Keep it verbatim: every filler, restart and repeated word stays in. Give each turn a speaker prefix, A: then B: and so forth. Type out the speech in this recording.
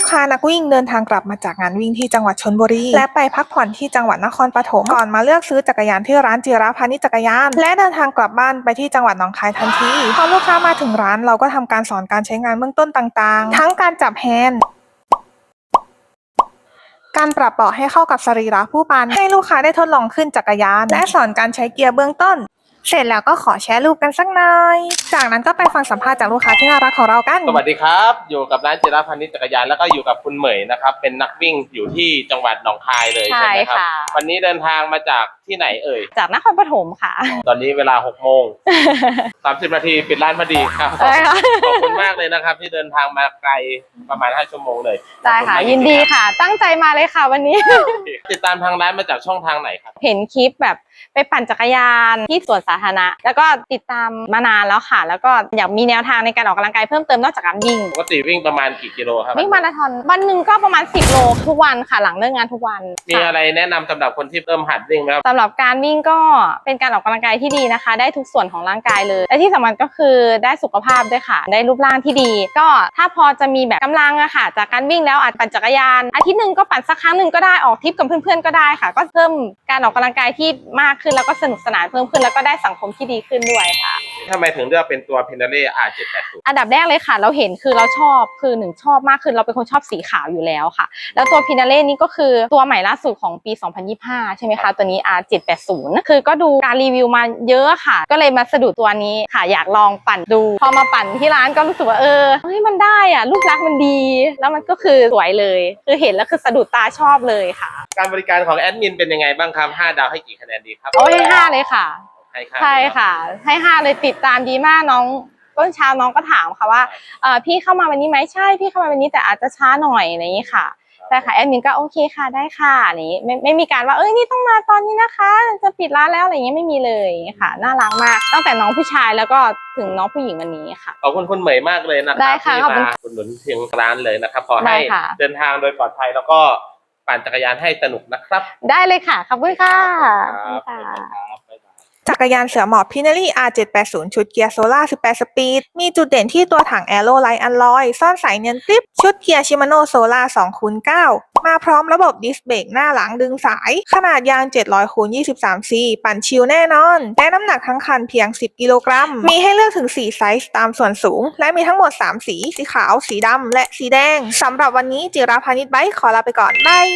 A: ค้านักวิ่งเดินทางกลับมาจากงานวิ่งที่จังหวัดชลบุรีและไปพักผ่อนที่จังหวัดนครปฐมก่อนมาเลือกซื้อจักรยานที่ร้านจิราพานิชจักรยานและเดินทางกลับบ้านไปที่จังหวัดหนองคายทันทีพอลูกค้ามาถึงร้านเราก็ทำการสอนการใช้งานเบื้องต้นต่างๆทั้งการจับแฮนด์การปรับเบาะให้เข้ากับสรีระผู้ปั่นให้ลูกค้าได้ทดลองขึ้นจักรยานและสอนการใช้เกียร์เบื้องต้นเสร็จแล้วก็ขอแชร์รูปกันสักหน่อยจากนั้นก็ไปฟังสัมภาษณ์จากลูกค้าที่น่ารักของเรากัน
B: สวัสดีครับอยู่กับร้านจิราพานิชจักรยานแล้วก็อยู่กับคุณเหมยนะครับเป็นนักวิ่งอยู่ที่จังหวัดหนองคายเลยใช่ไหมครับวันนี้เดินทางมาจากที่ไหนเอ่ย
C: จากนครปฐมค่ะ
B: ตอนนี้เวลาหกโมงสามสิบนาทีปิดร้านพอดีครับขอบคุณมากเลยนะครับที่เดินทางมาไกลประมาณห้าชั่วโมงเลย
C: ได้ค่ะยินดีค่ะตั้งใจมาเลยค่ะวันนี้
B: ติดตามทางร้านมาจากช่องทางไหนครับ
C: เห็นคลิปแบบไปปั่นจักรยานที่สวนสาธารณะแล้วก็ติดตามมานานแล้วค่ะแล้วก็อยากมีแนวทางในการออกกำลังกายเพิ่มเติมนอกจากการวิ่ง
B: ปกติวิ่งประมาณกี่กิโลครับ
C: วิ่งมาราธอนวันหนึ่งก็ประมาณสิบโลทุกวันค่ะหลังเลิกงานทุกวัน
B: มีอะไรแนะนำสำหรับคนที่เริ่มหัดวิ่งไหมครับ
C: สำหรับการวิ่งก็เป็นการออกกำลังกายที่ดีนะคะได้ทุกส่วนของร่างกายเลยและที่สำคัญก็คือได้สุขภาพด้วยค่ะได้รูปร่างที่ดีก็ถ้าพอจะมีแบบกำลังอะค่ะจากการวิ่งแล้วอาจปั่นจักรยานอาทิตย์หนึ่งก็ปั่นสักครั้งหนึ่งก็ได้ออกทริปกับเพื่อนๆก็ได้ค่ะก็เพิ่มการออกกำลังกายที่มากขึ้นแล้วก็สนุกสนานเพิ่มขึ้นแล้วก็ได้สังคมที่ดีขึ้นด้วยค่ะ
B: ทำไมถึงเลือกเป็นตัว Pinarello อาร์ เจ็ดแปดศูนย์
C: อันดับแรกเลยค่ะเราเห็นคือเราชอบคือหนึ่งชอบมากคือเราเป็นคนชอบสีขาวอยู่แล้วค่ะแล้วตัว Pinarello นี่ก็คือตัวใหม่ล่าสุดของปีสองพันยี่สิบห้าใช่ไหมคะตัวนี้ อาร์ เจ็ดแปดศูนย์ คือก็ดูการรีวิวมาเยอะค่ะก็เลยมาสะดุดตัวนี้ค่ะอยากลองปั่นดูพอมาปั่นที่ร้านก็รู้สึกว่าเออเฮ้ยมันได้อ่ะลูกรักมันดีแล้วมันก็คือสวยเลยคือเห็นแล้วคือสะดุดตาชอบเลยค่ะ
B: การบริการของแอดมินเป็นยังไงบ้างครับห้าดาวให้กี่คะแนนดีครับ
C: โอ้ให้ห้าเลยค่ะใช่ค่ะให้ห้าเลยติดตามดีมากน้องต้นเช้าน้องก็ถามค่ะว่าเออพี่เข้ามาวันนี้ไหมใช่พี่เข้ามาวันนี้แต่อาจจะช้าหน่อยอะไรอย่างนี้ค่ะแต่ค่ะแอดมินก็โอเคค่ะได้ค่ะนี้ไม่ไม่มีการว่าเอ้ยนี่ต้องมาตอนนี้นะคะจะปิดร้านแล้วอะไรอย่างเงี้ยไม่มีเลยค่ะน่ารักมากตั้งแต่น้องผู้ชายแล้วก็ถึงน้องผู้หญิงวันนี้ค่ะ
B: ขอบคุณคุณเหมยมากเลยนะครับที่มาอุดหนุนเพียงร้านเลยนะครับขอให้เดินทางโดยปลอดภัยแล้วก็ปั่นจักรยานให้สนุกนะครับ
C: ได้เลยค่ะขอบคุณค่ะ
A: จักรยานเสือหมอบ Pinarello อาร์ เจ็ดแปดศูนย์ ชุดเกียร์โซล่าสิบแปดสปีดมีจุดเด่นที่ตัวถังแอโรไลท์อัลลอยซ่อนสายเนียนกริปชุดเกียร์ชิมาโน่โซล่า สองคูณเก้า มาพร้อมระบบดิสเบรกหน้าหลังดึงสายขนาดยาง เจ็ดร้อยคูณยี่สิบสาม ซี ปั่นชิลแน่นอนและน้ำหนักทั้งคันเพียง สิบ กิโลกรัมมีให้เลือกถึงสี่ไซส์ตามส่วนสูงและมีทั้งหมดสามสีสีขาวสีดำและสีแดงสำหรับวันนี้จิราพานิชไบค์ขอลาไปก่อนบาย